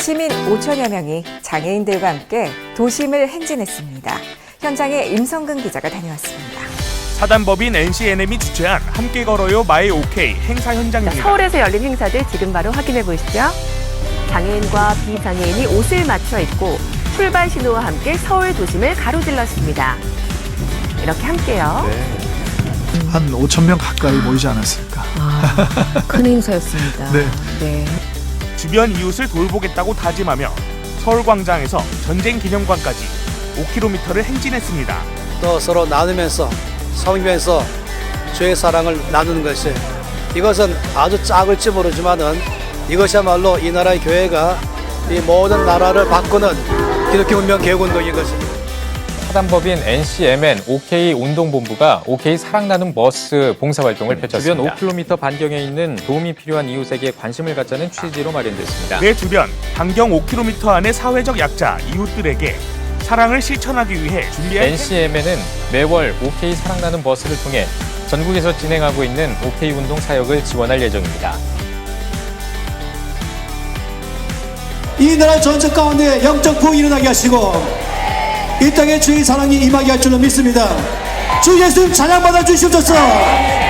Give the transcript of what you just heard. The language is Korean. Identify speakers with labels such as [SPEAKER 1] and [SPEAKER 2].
[SPEAKER 1] 시민 5천여 명이 장애인들과 함께 도심을 행진했습니다. 현장에 임성근 기자가 다녀왔습니다.
[SPEAKER 2] 사단법인 NCNM이 주최한 함께 걸어요 마이 OK 행사 현장입니다.
[SPEAKER 3] 서울에서 열린 행사들 지금 바로 확인해 보시죠. 장애인과 비장애인이 옷을 맞춰 입고 출발 신호와 함께 서울 도심을 가로질렀습니다. 이렇게 함께요.
[SPEAKER 4] 한 5천 명 가까이 모이지 않았을까.
[SPEAKER 1] 큰 행사였습니다.
[SPEAKER 4] 네.
[SPEAKER 2] 주변 이웃을 돌보겠다고 다짐하며 서울광장에서 전쟁기념관까지 5km를 행진했습니다.
[SPEAKER 5] 또 서로 나누면서 섬기면서 주의 사랑을 나누는 것이 이것은 아주 작을지 모르지만은 이것이야말로 이 나라의 교회가 이 모든 나라를 바꾸는 기독교 운명 개혁운동인 것입니다.
[SPEAKER 6] 사단법인 NCMN OK 운동본부가 OK 사랑 나눔 버스 봉사활동을 펼쳤습니다. 주변 5km 반경에 있는 도움이 필요한 이웃에게 관심을 갖자는 취지로 마련됐습니다.
[SPEAKER 2] 내 주변 반경 5km 안의 사회적 약자 이웃들에게 사랑을 실천하기 위해 준비한
[SPEAKER 6] NCMN은 매월 OK 사랑 나눔 버스를 통해 전국에서 진행하고 있는 OK 운동 사역을 지원할 예정입니다.
[SPEAKER 7] 이 나라 전체 가운데 영적 부흥이 일어나게 하시고 이 땅에 주의 사랑이 임하게 할 줄로 믿습니다. 주 예수님 찬양받아 주시옵소서.